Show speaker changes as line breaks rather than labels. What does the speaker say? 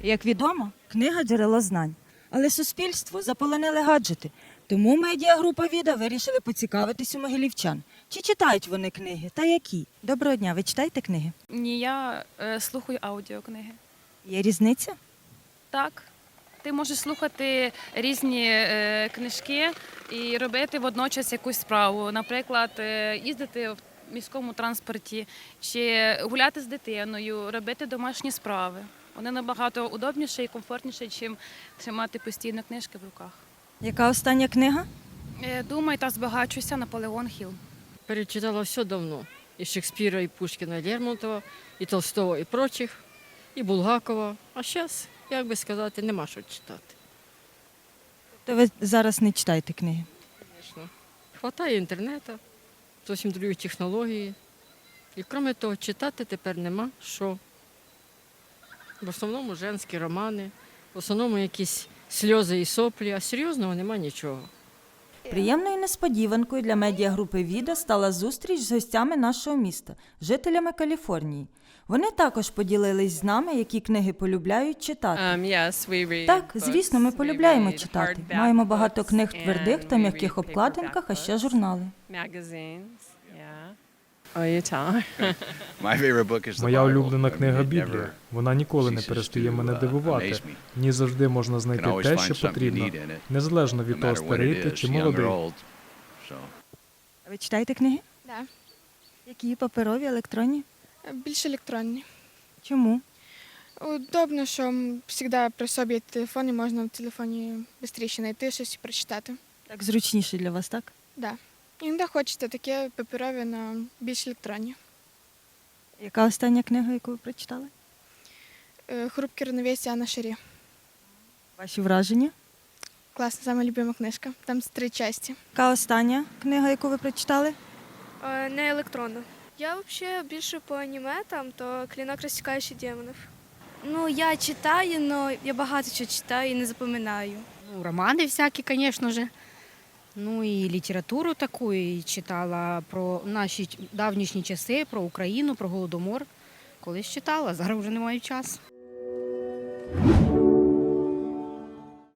Як відомо, книга – джерело знань. Але суспільство заполонили гаджети. Тому медіагрупа «Віда» вирішили поцікавитись у могилівчан. Чи читають вони книги та які? Доброго дня, ви читаєте книги?
Ні, я слухаю аудіокниги.
Є різниця?
Так. Ти можеш слухати різні книжки і робити водночас якусь справу. Наприклад, їздити в міському транспорті чи гуляти з дитиною, робити домашні справи. Вони набагато удобніше і комфортніше, ніж тримати постійно книжки в руках.
Яка остання книга?
Думай та збагачуйся, Наполеон Хіл.
Перечитала все давно. И Шекспира, и Пушкина, и Лермонтова, и Толстого, и прочих, і Булгакова. А зараз, як би сказати, нема що читати.
То ви зараз не читаєте книги?
Звісно. Хватає інтернету, зовсім другі технології. І крім того, читати тепер нема що. В основному женські романи, в основному якісь сльози і соплі, а серйозного нема нічого.
Приємною несподіванкою для медіагрупи «Віда» стала зустріч з гостями нашого міста, жителями Каліфорнії. Вони також поділились з нами, які книги полюбляють читати. Так, звісно, ми полюбляємо читати. Маємо багато книг в твердих та м'яких обкладинках, а ще журнали.
Моя улюблена книга «Біблія». Вона ніколи не перестає мене дивувати. В ній завжди можна знайти те, що потрібно, незалежно від того, старий ти чи молодий.
Ви читаєте книги?
Да.
Які? Паперові, електронні?
Більш електронні.
Чому?
Удобно, що завжди при собі є телефон і можна в телефоні швидше знайти щось і прочитати.
Так зручніше для вас, так?
Да. Іноді хочете таке паперові, на більш електронні.
Яка остання книга, яку ви прочитали?
«Хрупке равновесие» Анна Шарі.
Ваші враження?
Класна, сама любима книжка. Там 3 частини.
Яка остання книга, яку ви прочитали?
Не електронно. Я взагалі більше по аніме, там, то «Клинок, розсікаючий демонів».
Ну, я читаю, але я багато чого читаю і не запам'ятаю.
Ну, романы всякие, конечно же. Ну і літературу таку, і читала про наші давнішні часи, про Україну, про Голодомор. Колись читала, зараз вже не маю часу.